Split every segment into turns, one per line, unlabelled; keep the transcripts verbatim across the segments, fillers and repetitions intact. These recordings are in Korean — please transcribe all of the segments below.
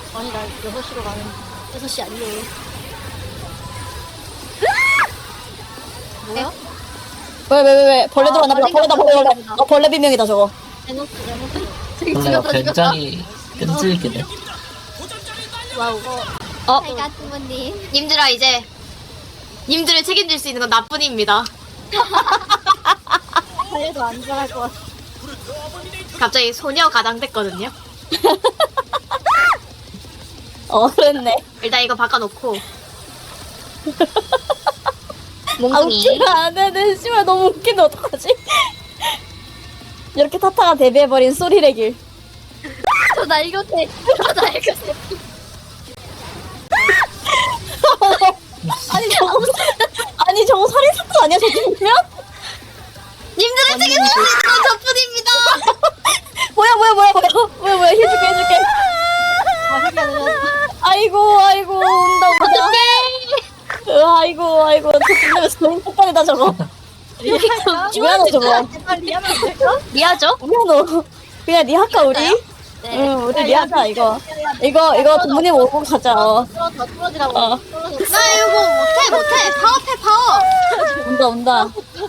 아니 나 여섯 시로 가는 여섯 시 아니에요. 뭐야?
왜 왜 왜 왜 벌레
아,
들어왔나 보다. 벌레다 벌레 벌레.
벌레인가
어 벌레 비명이다 저거.
에노스 에노스.
벌레가 굉장히 끈질기네.
와우.
어
잘 가스모님.
님들아 이제 님들을 책임질 수 있는 건 나뿐입니다.
달려도 안 잘할 것 같아.
갑자기 소녀 가장 됐거든요.
어 그랬네.
일단 이거 바꿔놓고
아
몽둥이.
웃기면 안 되네. 씨발 너무 웃긴데 어떡하지? 이렇게 타타가 데뷔해버린 소리레길.
저나 이거 돼. 저나 이거 돼.
아니 저거 아니 저거 살인사건 아니야 저 정도면?
님들을 책임질 수 있는 건 저뿐입니다.
뭐야 뭐야 뭐야 뭐야 뭐야 뭐야 해줄게 해줄게.
아 해가 늘었어.
아이고 아이고 온다 온다. 으, 아이고 아이고 저 끝내면서 너무 폭발이다 저거. 미안해 저거.
제발 리하면 안 될까?
미아죠?
미안해. 그냥 리하까 우리?
네.
응 우리 리하자 이거. 이거 이거 부모님 오고 가자. 어.
떨어져 떨어지라고.
어.
떨어져.
나 이거 못해 못해. 파워패 파워.
온다 온다.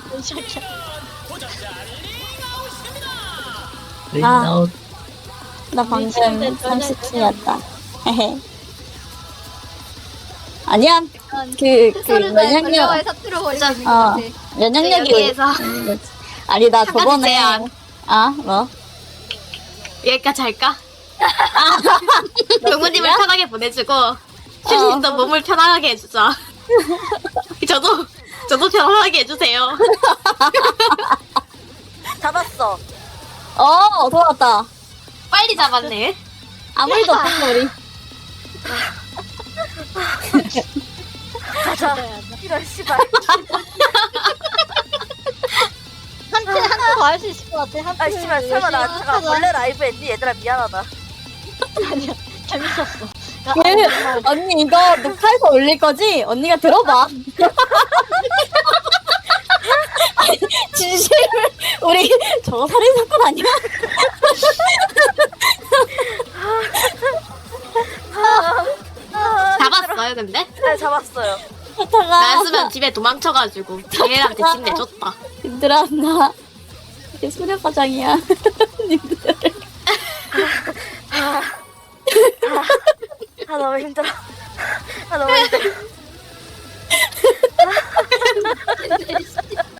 아.
나 방금 삼십 층이었다. 헤헤. 아니야. 그, 그, 면역력,
면역력에 사투를 벌이고 있는 것
어,
같아.
면역력이.
여기에서
아니, 나
잠깐
저번에.
제안.
아, 뭐?
여기까지 할까? 동무님을 편하게 보내주고
어.
슈신도 몸을 편하게 해주자. 저도 저도 편하게 해주세요.
잡았어. 어, 돌아왔다.
빨리 잡았네.
아무 일도 없었어, 우리.
가자. 이런 씨발. 한테 한테 더 할 수 있을 것 같아. 한테.
아 씨발 설마 나 잠깐 원래 라이브 했니? 얘들아 미안하다.
아니야. 재밌었어. 야,
그,
아니, 정말.
언니, 이거 녹화해서 올릴 거지? 언니가 들어봐. 아니, 진심을, 우리, 저거 살인사건 아니야?
잡았어요 근데?
네 잡았어요.
하다가.
나였으면 집에 도망쳐가지고 걔네한테 집 내줬다.
님들아, 나, 이게 소녀과장이야. 님들.
아 너무 힘들어. 아 너무 힘들어.